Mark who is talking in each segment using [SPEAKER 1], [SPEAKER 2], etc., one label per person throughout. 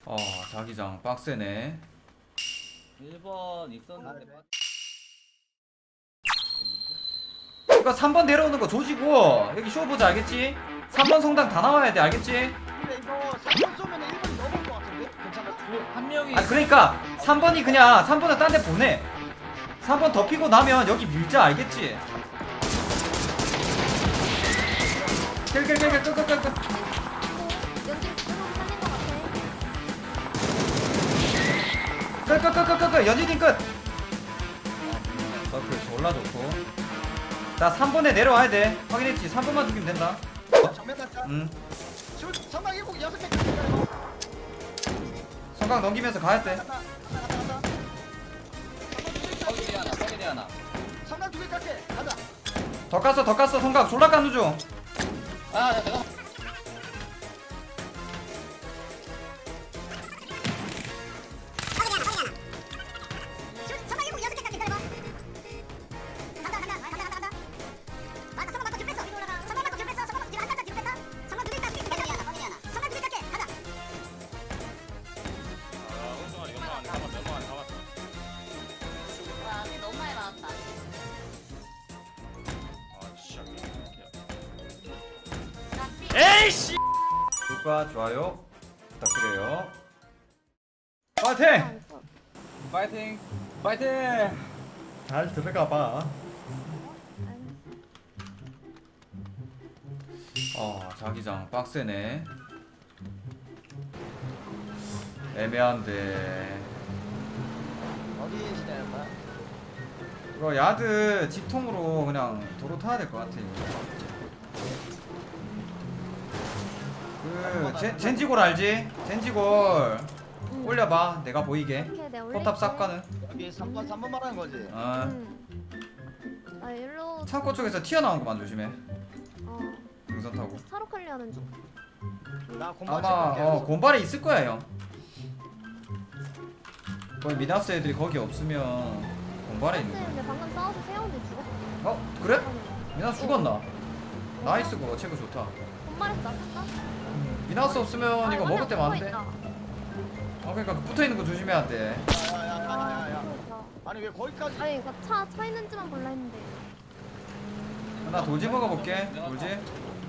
[SPEAKER 1] 자기장 빡세네.
[SPEAKER 2] 1번 있었는데
[SPEAKER 1] 이거 3번 내려오는 거 조지고 여기 쇼 보자 알겠지? 3번 성당 다 나와야 돼 알겠지?
[SPEAKER 3] 근데 이거 3번 쏘면 1번이 넘을 것 같은데? 괜찮아?
[SPEAKER 2] 한 명이
[SPEAKER 1] 그러니까 3번이 그냥 3번은 딴 데 보내. 3번 덮이고 나면 여기 밀자 알겠지? 끌끌끌끌 끌끌끌
[SPEAKER 4] 연진 그대로 살린 것 같아.
[SPEAKER 1] 끌끌끌끌끌 연진님 끝. 서클 졸라 좋고. 자 3번에 내려와야 돼. 확인했지? 3번만 죽이면 된다.
[SPEAKER 3] 정면 날짜? 선박 7개 6개 끓여
[SPEAKER 1] 성강 넘기면서 가야 돼.
[SPEAKER 3] 간다
[SPEAKER 2] 서기리 하나
[SPEAKER 3] 선박 2개 깎게 가자
[SPEAKER 1] 더 깠어 성강 졸라 깐누 중.
[SPEAKER 2] 아 잠깐
[SPEAKER 4] 너무 많이 나왔다.
[SPEAKER 1] 에이씨. 구독과 좋아요 부탁드려요. 파이팅!
[SPEAKER 2] 파이팅 파이팅
[SPEAKER 1] 잘 들어가봐. 자기장 빡세네. 애매한데
[SPEAKER 3] 어디 지내는 거야?
[SPEAKER 1] 이거 야드 직통으로 그냥 도로 타야 될 것 같아. 젠지골 알지? 젠지골 올려봐. 내가 보이게
[SPEAKER 4] 오케이, 내가
[SPEAKER 1] 포탑 싹 가는.
[SPEAKER 3] 여기 3번 말하는 거지?
[SPEAKER 1] 아
[SPEAKER 4] 나 일로
[SPEAKER 1] 창고 쪽에서 튀어나온 것만 조심해.
[SPEAKER 4] 어
[SPEAKER 1] 등선 타고.
[SPEAKER 4] 차로 클리어하는 중.
[SPEAKER 3] 나 공부할
[SPEAKER 1] 아마
[SPEAKER 3] 때
[SPEAKER 1] 곰발에 있을 거야 형. 거기 미나스 애들이 거기 없으면 곰발에 있는 거야.
[SPEAKER 4] 근데 방금 싸워서 세웠는데 죽었어.
[SPEAKER 1] 그래? 미나스 죽었나? 나이스 그거 체크 좋다.
[SPEAKER 4] 본말에서 나 탔다.
[SPEAKER 1] 미나스 없으면 이거 먹을 때만 안 돼.
[SPEAKER 4] 있다.
[SPEAKER 1] 그러니까 붙어 있는 거 조심해야 돼.
[SPEAKER 3] 야야야야야
[SPEAKER 4] 그러니까.
[SPEAKER 3] 아니 왜 거기까지
[SPEAKER 4] 아니 이거 차 있는지만 몰라 했는데.
[SPEAKER 1] 나 돌지 먹어볼게. 돌지.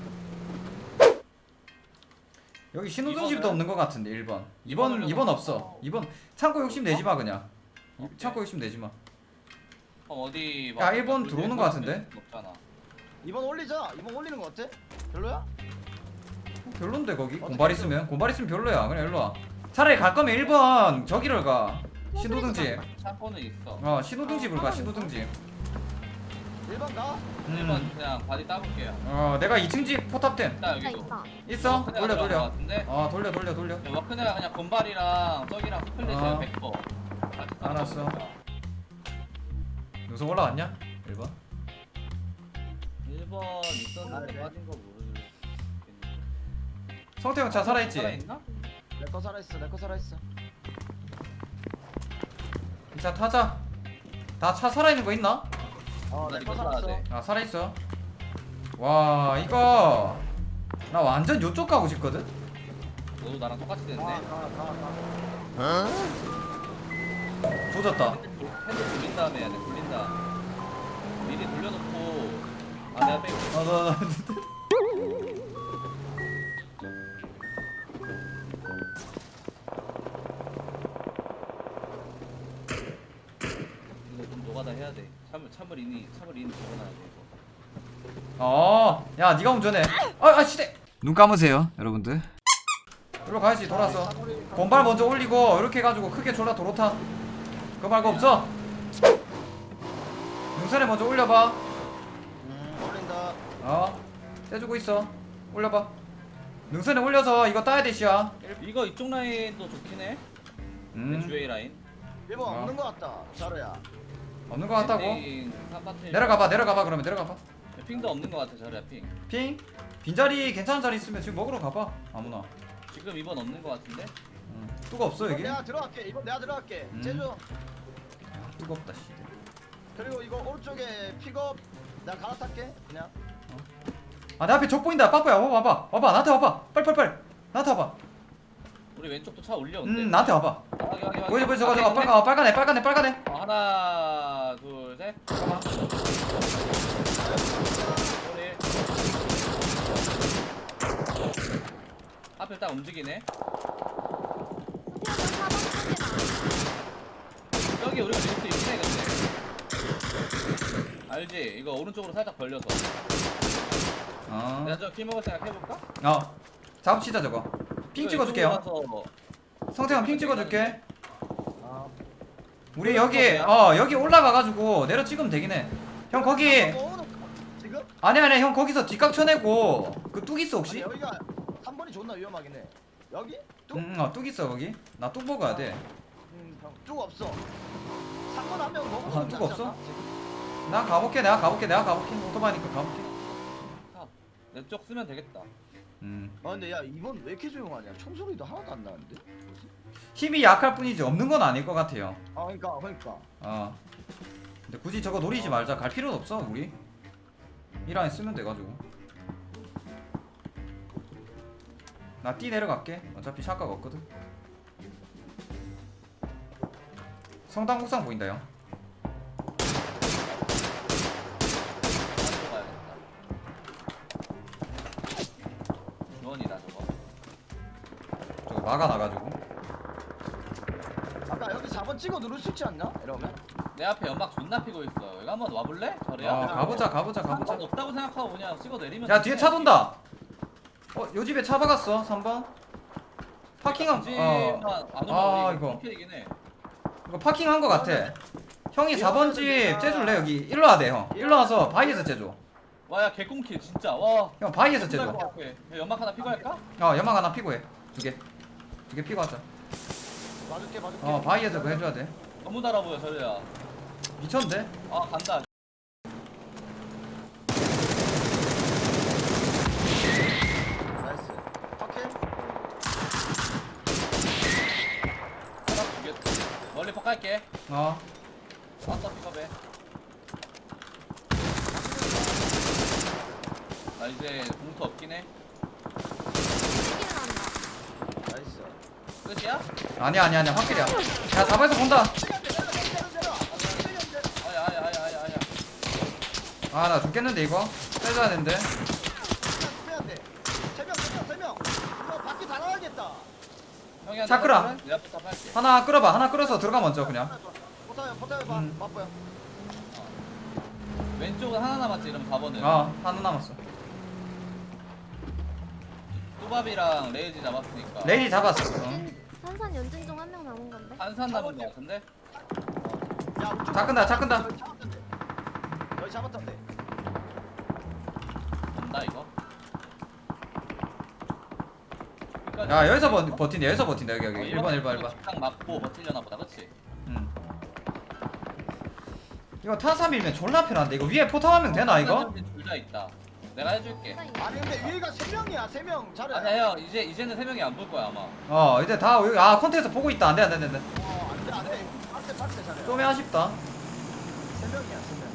[SPEAKER 1] 여기 신호등집도 없는 것 같은데 1번. 2번 없어. 2번 창고 욕심 내지 마 그냥. 창고 욕심 내지 마.
[SPEAKER 2] 어디
[SPEAKER 1] 야, 1번 들어오는 거 같은데?
[SPEAKER 2] 없잖아
[SPEAKER 3] 2번 올리자 2번 올리는 거 어때? 별로야?
[SPEAKER 1] 별론데 거기 곰발 있으면 별로야. 그냥 일로 와. 차라리 갈 거면 1번 저기를 가. 신호등집.
[SPEAKER 2] 샷건은 있어
[SPEAKER 1] 신호등집을 가. 신호등집.
[SPEAKER 3] 1번 가?
[SPEAKER 2] 1번 그냥 바디 따볼게요
[SPEAKER 1] 내가 2층 집 포탑템
[SPEAKER 2] 있다
[SPEAKER 4] 있다
[SPEAKER 2] 여기도
[SPEAKER 4] 있다.
[SPEAKER 1] 있어. 돌려 돌려.
[SPEAKER 2] 같은데?
[SPEAKER 1] 돌려.
[SPEAKER 2] 워크네가 그냥 건발이랑 저기랑 스플릿을
[SPEAKER 1] 어.
[SPEAKER 2] 100%.
[SPEAKER 1] 알았어. 요소 올라왔냐? 1번.
[SPEAKER 2] 1번 있었는데
[SPEAKER 3] 네.
[SPEAKER 2] 빠진 거 모르겠는데.
[SPEAKER 1] 성태형 차 살아있지?
[SPEAKER 2] 살아있나?
[SPEAKER 3] 내 거 살아있어
[SPEAKER 1] 이 차 타자. 다 차 살아있는 거 있나?
[SPEAKER 2] 나
[SPEAKER 3] 내
[SPEAKER 2] 이거
[SPEAKER 3] 거
[SPEAKER 2] 살아야
[SPEAKER 3] 살았어
[SPEAKER 2] 돼.
[SPEAKER 1] 살아있어. 와 이거 나 완전 요쪽 가고 싶거든?
[SPEAKER 2] 너도 나랑 똑같이 됐네.
[SPEAKER 3] 가
[SPEAKER 1] 조졌다.
[SPEAKER 2] 핸드 돌린 다음에 해야 돼. 돌린다. 미리 돌려놓고 내가 빼고. 이거 좀 노가다 해야 돼. 참을 이니 적어놔야 돼 이거.
[SPEAKER 1] 야 니가 운전해. 시대. 눈 감으세요 여러분들. 일로 가야지. 돌아서 곰발 먼저 올리고 이렇게 해가지고 크게 졸라 도로 타. 그거 말고 없어. 능선에 먼저 올려봐.
[SPEAKER 3] 올린다
[SPEAKER 1] 떼주고 있어. 올려봐. 능선에 올려서 이거 따야 돼 시야.
[SPEAKER 2] 이거 이쪽 라인도 좋긴 해. 주웨이 라인.
[SPEAKER 3] 1번 없는 거 같다 자루야
[SPEAKER 1] 없는 거 같다고?
[SPEAKER 2] 엔딩 3파트.
[SPEAKER 1] 내려가봐 그러면 내려가봐.
[SPEAKER 2] 핑도 없는 거 같아 자리야 핑.
[SPEAKER 1] 핑? 빈자리 괜찮은 자리 있으면 지금 먹으러 가봐. 아무나.
[SPEAKER 2] 지금 2번 없는 거 같은데?
[SPEAKER 1] 뚜가 없어 여기?
[SPEAKER 3] 내가 들어갈게 이번 내가 들어갈게 제주
[SPEAKER 1] 뜨겁다 씨.
[SPEAKER 3] 그리고 이거 오른쪽에 픽업 내가 갈아탈게 그냥
[SPEAKER 1] 내 앞에 적 보인다. 빠뽀야 와봐 나한테 와봐. 빨리 나한테 와봐.
[SPEAKER 2] 우리 왼쪽도 차 올려온대.
[SPEAKER 1] 나한테 와봐. 보이지 보이지 저거 빨간애
[SPEAKER 2] 하나 둘 셋.
[SPEAKER 1] 잠깐만.
[SPEAKER 2] 소리. 앞에 딱 움직이네.
[SPEAKER 4] 스피어는 4번 쪽에
[SPEAKER 2] 여기 우리가 밀 수 있네 근데. 알지? 이거 오른쪽으로 살짝 벌려서. 내가 저 킬 먹을 생각 해볼까?
[SPEAKER 1] 작업치자 저거. 핑 찍어줄게요.
[SPEAKER 2] 가서
[SPEAKER 1] 성태형 핑 찍어줄게.
[SPEAKER 3] 아,
[SPEAKER 1] 우리 여기 올라가가지고 내려 찍으면 되긴 해. 형 거기
[SPEAKER 3] 지금?
[SPEAKER 1] 아니 형 거기서 뒷각 쳐내고 그 뚝 있어 혹시?
[SPEAKER 3] 아니, 여기가 3번이 존나 위험하긴 해. 여기? 뚝?
[SPEAKER 1] 뚝 있어 거기. 나 뚝 먹어야 돼.
[SPEAKER 3] 형, 뚝 없어. 3번 한 명 먹어.
[SPEAKER 1] 뚝 없어? 나 가볼게 내가 가볼게 오토바이니까 가볼게.
[SPEAKER 2] 내 쪽 쓰면 되겠다.
[SPEAKER 3] 아 근데 야 이번 왜 이렇게 조용하냐? 총소리도 하나도 안 나는데? 뭐지?
[SPEAKER 1] 힘이 약할 뿐이지 없는 건 아닐 것 같아요.
[SPEAKER 3] 아 그러니까.
[SPEAKER 1] 근데 굳이 저거 노리지 말자. 갈 필요는 없어 우리. 이 라인 쓰면 돼가지고. 나 뛰 내려갈게. 어차피 샷각 없거든. 성당 옥상 보인다 형.
[SPEAKER 2] 주원이다 저거.
[SPEAKER 1] 저거 막아놔가지고.
[SPEAKER 3] 아까 여기 4번 찍어 누를 수 있지 않나? 이러면?
[SPEAKER 2] 내 앞에 연막 존나 피고 있어. 여기 한번 와볼래? 저래야.
[SPEAKER 1] 가보자.
[SPEAKER 2] 없다고 생각하고 그냥 찍어 내리면.
[SPEAKER 1] 야 뒤에 차 돈다. 요 집에 차 박았어 3번. 파킹한 이거 파킹한 거 같아. 형이 4번 집 째줄래 여기. 일로 와대 형. 일로 와서 바위에서 째줘.
[SPEAKER 2] 와야 개꿈킬 진짜. 와.
[SPEAKER 1] 형 바위에서 째줘.
[SPEAKER 2] 연막 하나 피고 할까?
[SPEAKER 1] 연막 하나 피고 해. 두 개 피고 하자.
[SPEAKER 3] 봐줄게.
[SPEAKER 1] 바위에서 그거 해줘야 돼.
[SPEAKER 2] 너무 달아 보여 저래야.
[SPEAKER 1] 미쳤는데?
[SPEAKER 2] 아 간다.
[SPEAKER 3] 나이스. 오케이.
[SPEAKER 2] 하나 두개 멀리 폭 갈게. 왔어 픽업해. 나 이제 봉투 없긴 해.
[SPEAKER 3] 나이스.
[SPEAKER 2] 끝이야?
[SPEAKER 1] 아니야 확실이야. 야 4번에서 본다.
[SPEAKER 2] 아야.
[SPEAKER 1] 나 죽겠는데 이거. 빼줘야 되는데.
[SPEAKER 3] 빼야 돼. 3명. 이거 바퀴 다 나가겠다.
[SPEAKER 2] 형이
[SPEAKER 1] 차 끌어.
[SPEAKER 2] 내가 부탁 할게.
[SPEAKER 1] 하나 끌어봐. 하나 끌어서 들어가 먼저 그냥.
[SPEAKER 3] 포타요 봐. 맛보여.
[SPEAKER 2] 왼쪽은 하나 남았지 이러면 4번은.
[SPEAKER 1] 하나 남았어.
[SPEAKER 2] 뚜밥이랑 레이지 잡았으니까.
[SPEAKER 1] 레이지 잡았어.
[SPEAKER 4] 산산 연진 중 한 명 남은 건데.
[SPEAKER 2] 한산 남은 거 같은데?
[SPEAKER 3] 야, 우측
[SPEAKER 1] 차 끈다.
[SPEAKER 3] 여기 잡았던데.
[SPEAKER 2] 온다 이거.
[SPEAKER 1] 야 여기서 버틴다 여기 1번.
[SPEAKER 2] 딱 맞고 버틸려나 보다 그치?
[SPEAKER 1] 이거 타삼이면 졸라 편한데. 이거 위에 포탑 하면 되나 이거?
[SPEAKER 2] 둘다 있다. 내가 해줄게.
[SPEAKER 3] 아니 근데 위가 3명이야. 3명. 잘해.
[SPEAKER 2] 아니야 형 이제는 3명이 안 볼 거야 아마.
[SPEAKER 1] 이제 다 여기 컨테에서 보고 있다. 안돼.
[SPEAKER 3] 안돼. 빡세 잘해.
[SPEAKER 1] 좀 아쉽다.
[SPEAKER 3] 3명이야.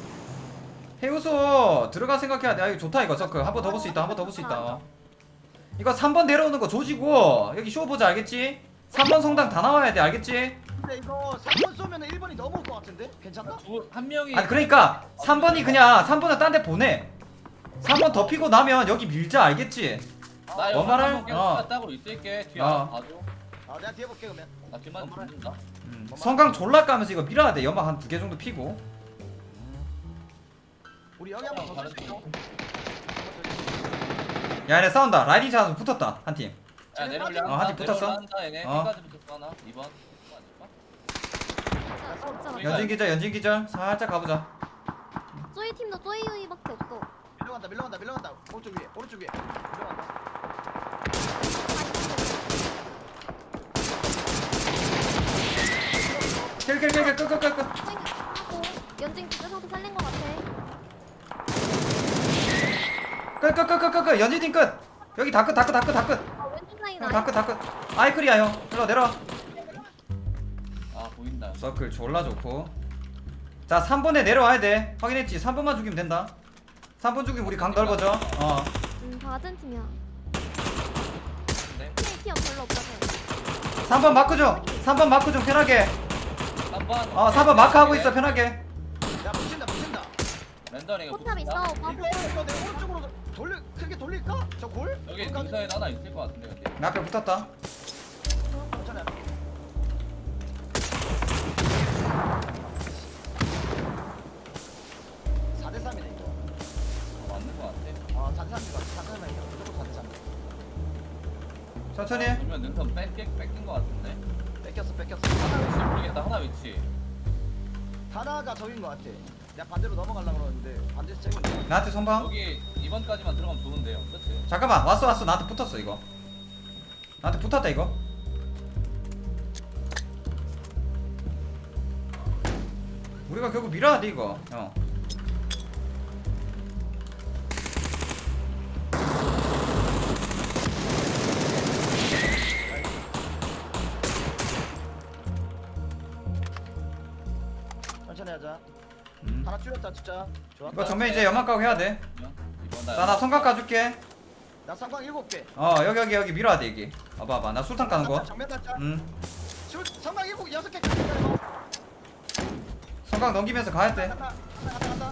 [SPEAKER 1] 해우소 들어갈 생각해야 돼. 이거 좋다 이거 서클. 한 번 더 볼 수 있다. 이거 3번 내려오는 거 조지고 여기 쇼 보자 알겠지? 3번 성당 다 나와야 돼 알겠지?
[SPEAKER 3] 근데 이거 3번 쏘면 1번이 넘어올 것 같은데? 괜찮나?
[SPEAKER 2] 한 명이.
[SPEAKER 1] 아니 그러니까 3번은 딴 데 보내. 3번 더 피고 나면 여기 밀자 알겠지?
[SPEAKER 2] 나
[SPEAKER 1] 뭔 말을?
[SPEAKER 2] 여기 계속 따고 있을게. 뒤에 알아서 봐줘.
[SPEAKER 3] 내가 뒤에 볼게 그러면.
[SPEAKER 2] 나 뒷만 붙는다.
[SPEAKER 1] 성강 졸라 까면서 이거 밀어야 돼. 연막 한 2개 정도 피고.
[SPEAKER 3] 우리 여기 한번 더 쓸 수 있어.
[SPEAKER 1] 야 얘네 싸운다. 라이딩 차서 붙었다 한 팀.
[SPEAKER 2] 야 내려올려.
[SPEAKER 1] 한팀 붙었어?
[SPEAKER 2] 한다 얘네. B까지 붙었어 하나. 2번.
[SPEAKER 1] 연진 기절. 살짝 가보자.
[SPEAKER 4] 쪼이 팀도 쪼이 유이밖에 없어.
[SPEAKER 3] 밀려간다. 오른쪽 위에. 밀려간다.
[SPEAKER 1] 킬.
[SPEAKER 4] 하고 연진 기절 상태 살린 것 같아.
[SPEAKER 1] 끝. 연진 팀 끝. 여기 다 끝.
[SPEAKER 4] 왼쪽 라인
[SPEAKER 1] 다 끝. 아이클이야 형. 일로 내려와.
[SPEAKER 2] 아 보인다.
[SPEAKER 1] 서클 졸라 좋고. 자 3번에 내려와야 돼. 확인했지? 3번만 죽이면 된다. 3번 죽이면 우리 강 넓어져.
[SPEAKER 4] 받은 팀이야.
[SPEAKER 2] 네.
[SPEAKER 4] 피어 별로 없어서.
[SPEAKER 1] 3번 마크 좀 3번 마크 좀 편하게
[SPEAKER 2] 3번
[SPEAKER 1] 3번 마크 하고 있어 편하게.
[SPEAKER 3] 야 붙인다 붙인다.
[SPEAKER 2] 랜덤이 이거
[SPEAKER 4] 포탑 있어.
[SPEAKER 2] 붙인다?
[SPEAKER 3] 이거 내 오른쪽으로 돌려 크게 돌릴까? 저 골?
[SPEAKER 2] 여기
[SPEAKER 3] 골까지?
[SPEAKER 2] 능선에 하나 있을 것 같은데 근데
[SPEAKER 1] 내 앞에 붙었다.
[SPEAKER 3] 괜찮아. 대 3이네 이거.
[SPEAKER 2] 맞는 것 같아
[SPEAKER 3] 4대 3이다. 4대 3이야. 무조건 4대 3.
[SPEAKER 1] 천천히.
[SPEAKER 2] 그러면 능선 뺏긴 것 같은데
[SPEAKER 3] 뺏겼어 뺏겼어.
[SPEAKER 2] 위치 모르겠다 하나 위치
[SPEAKER 3] 하나가 적인 것 같아. 내가 반대로 넘어가려고 그러는데 반대에서 찍은 거야.
[SPEAKER 1] 나한테 선방.
[SPEAKER 2] 여기 2번까지만 들어가면 좋은데요 그치?
[SPEAKER 1] 잠깐만 왔어 나한테 붙었어 이거. 나한테 붙었다 이거. 우리가 결국 밀어야 돼 이거.
[SPEAKER 3] 천천히 하자.
[SPEAKER 1] 음.
[SPEAKER 3] 하나 줄였다 진짜. 좋았다.
[SPEAKER 1] 이거 전면 이제 연막 가고 해야 돼.
[SPEAKER 2] 이번
[SPEAKER 1] 나 성각 까줄게.
[SPEAKER 3] 나 상광 7개.
[SPEAKER 1] 여기 밀어야 돼 여기. 봐봐 나 술탄 까는 거.
[SPEAKER 3] 정면 닫자. 상광 6개
[SPEAKER 1] 성각 넘기면서 가야 돼.
[SPEAKER 3] 간다. 간다.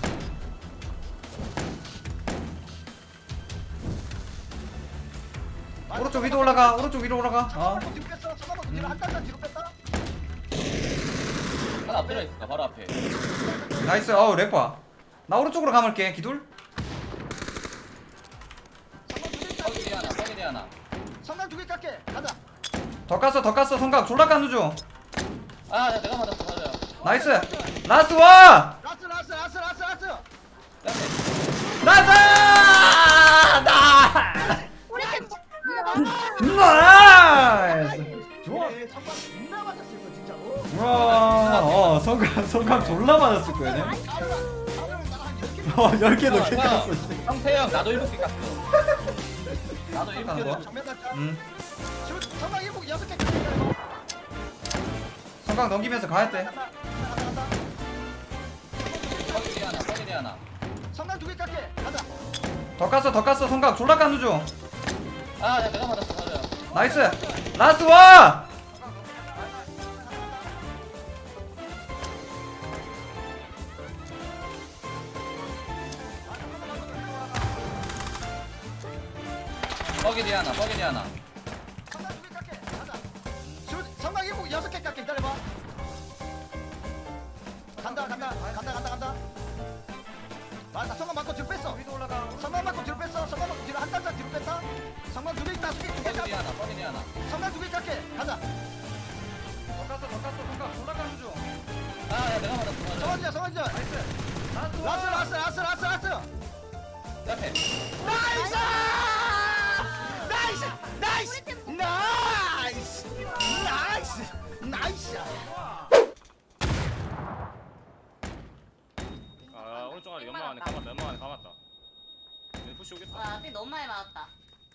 [SPEAKER 1] 오른쪽 위로 올라가. 오른쪽 위로 올라가.
[SPEAKER 3] 잠깐만 뒤로 뺐어. 잠깐만 뒤로 한 단단 뒤로 뺐다.
[SPEAKER 2] 하나 엎드려 있어 바로 앞에
[SPEAKER 1] 나이스. 렉봐. 나 오른쪽으로 감을게. 기둘.
[SPEAKER 2] 뻐기디 하나
[SPEAKER 3] 상광 2개 깎게. 가자.
[SPEAKER 1] 더 깠어. 성각 졸라 깐누 중.
[SPEAKER 2] 아 내가 맞았어 맞아요
[SPEAKER 1] 나이스. 라스트 원.
[SPEAKER 3] 라스.
[SPEAKER 1] 나이스.
[SPEAKER 4] 우리 팀
[SPEAKER 1] 나이스. 좋아.
[SPEAKER 3] 상광 존나 맞았을 거 진짜로.
[SPEAKER 1] 와. 성각 졸라 맞았을 거야.
[SPEAKER 3] 나랑 10개
[SPEAKER 1] 10개 넘게 깠어.
[SPEAKER 2] 형태형 나도 7개 깠어 나도 7개
[SPEAKER 1] 깐 거야?
[SPEAKER 2] 깠어
[SPEAKER 3] 정면 닫자.
[SPEAKER 1] 음.
[SPEAKER 3] 상광 6개 깎게.
[SPEAKER 1] 성각 넘기면서 가야 돼.
[SPEAKER 3] 간다.
[SPEAKER 2] 뻐기디 하나
[SPEAKER 3] 상광 2개 깎게. 가자.
[SPEAKER 1] 더 깠어. 성각 졸라 깐누 중.
[SPEAKER 2] 아 내가 맞았어 맞아요
[SPEAKER 1] 나이스. 라스트 원.
[SPEAKER 2] 뻐기디 하나
[SPEAKER 3] 상광 2개 깎게. 가자. 상광 6개 깎게. 기다려봐. 간다. 맞다. 성광 맞고 뒤로 뺐어.
[SPEAKER 1] 위로 올라가.
[SPEAKER 3] 성광 맞고 뒤로 뺐어. 성광 맞고 뒤로 한 단자 뒤로 뺐다. 성광 2개 있다. 2개
[SPEAKER 2] 뻐기디
[SPEAKER 3] 깎게.
[SPEAKER 2] 하나
[SPEAKER 3] 성광 2개 깎게. 가자.
[SPEAKER 1] 더 깠어. 성각 졸라 깐누 중.
[SPEAKER 2] 아 내가 맞았어 맞아요
[SPEAKER 3] 성원이야.
[SPEAKER 1] 나이스.
[SPEAKER 3] 라스.
[SPEAKER 2] 옆에
[SPEAKER 3] 나이스.
[SPEAKER 5] 아 오른쪽 아래 연막 안에 감았다. 얘 푸시 오겠다.
[SPEAKER 6] 와, 앞에 너무 많이 맞았다.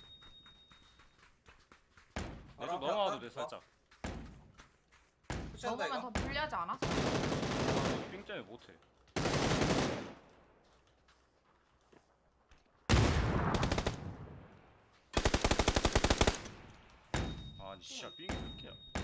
[SPEAKER 5] 내쪽 넘어와도 돼 살짝.
[SPEAKER 7] 먹으면 더 불리하지 않아?
[SPEAKER 5] 삥 때문에 못해. 아니 씨야 삥이 몇 개야?